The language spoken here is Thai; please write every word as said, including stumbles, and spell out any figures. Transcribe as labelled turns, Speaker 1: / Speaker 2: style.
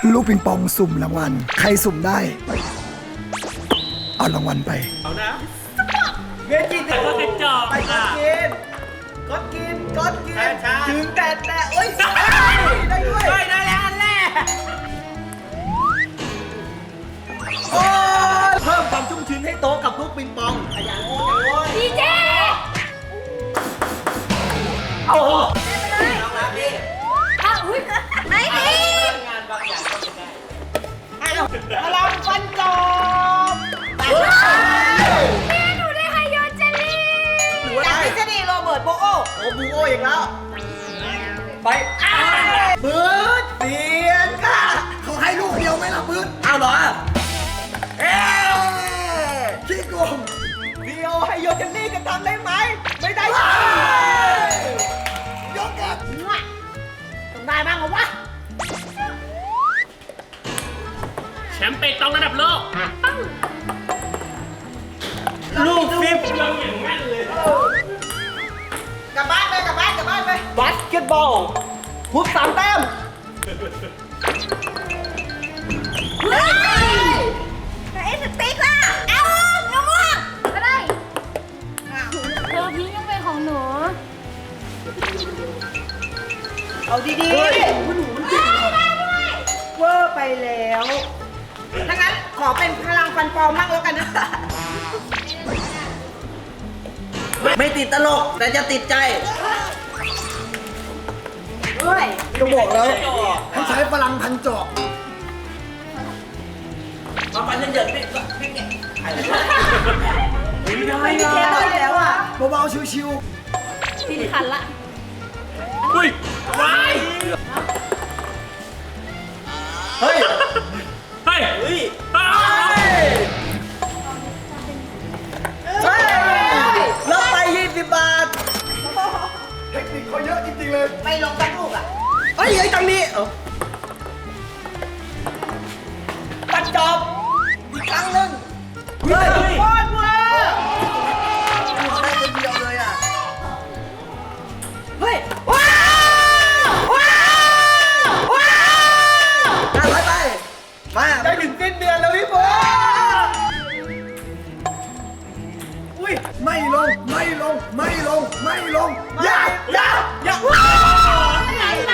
Speaker 1: ลูกปิงปองสุ่มรางวัลใครสุ่มได้เอารางวัลไป
Speaker 2: เอานะ
Speaker 3: เงินกี่ตัว
Speaker 2: กระจอก
Speaker 3: ไปกดกินกดกินกดกินถึงแต่แต่โอ๊ยได้ด้วยได้แล้วอันแรกโอ้เพิ่มความชุ่มชื้นให้โต๊ะกับลูกปิงปองขยันโอ้ย
Speaker 4: ดีเจ
Speaker 3: เอา
Speaker 4: อ้าวอุ้ยไหนดี
Speaker 3: พลังฟันจบ
Speaker 4: แม่หนูได้ไฮโยเจลลี่
Speaker 3: หรือว่าได้ทฤษฎีโรเบิร์ตโบโอโอ้บูโออีกแล้วไปปืดเสียนค่ะ
Speaker 1: เขาให้ลูกเดียวไหมล่ะปืน
Speaker 3: เอาเหรอเอ๊ะ
Speaker 1: ขี้โกง
Speaker 3: เดียวให้โยเจนนี่จะทำได้ไหมไม่ได้
Speaker 1: ยกกับ
Speaker 3: ต้องได้บ้างเหรอวะ
Speaker 2: แชมป์เปตองระดับโลกลูกฟิปยังอย่างแม่นเลย
Speaker 3: กลับบ้านไปกลับบ้านกลับบ้านไปบาสเกตบอลพุทสามแต้ม
Speaker 4: เฮ้ยแต่เอสติ๊กล่ะเอาหนูม่วงก็ได้เธอพี่ยังเป็นของหนู
Speaker 3: เอาดีๆเวอร์ไปแล้วถ้างั้นขอเป็นพลังฟันปลอมมั่งแล้วกันนะ ไม่ติดตลกแต่จะติดใจเฮ้ย
Speaker 1: ก็บอกแล้วให้ใช้พลังพันจอก
Speaker 3: มาฟันเยอะๆไม่ไม่เก่ง
Speaker 2: ไม่ได้
Speaker 3: ไม่เก่งแล้วอ่ะ
Speaker 1: เบาๆชิว
Speaker 4: ทีนี้คันละ
Speaker 2: อุ้ยว้าย
Speaker 3: เฮ้ย
Speaker 2: เฮ้ยเฮ้ยอ้าว
Speaker 3: เฮ้ยลบไปยี่สิบบาท
Speaker 1: ๆเทคนิคเขาเยอะจริงๆเลย
Speaker 3: ไม่ลงสักลูกอ่ะเฮ้ยไอ้ตังนี้เออปัดจอบอีกครั้งหนึ่งเฮ้ยโคตรเวอร์ได้คนเดียวเลยอ่ะ เฮ้ย ว้าวว้าวว้าวไปไปมาได้ถึงสิ้นเดือนแล้วพี่โบ๊อุ้ย
Speaker 1: ไม่ลงไม่ลงไม่ลงไม่ลงอย่า
Speaker 3: อย่าอย่าว้าว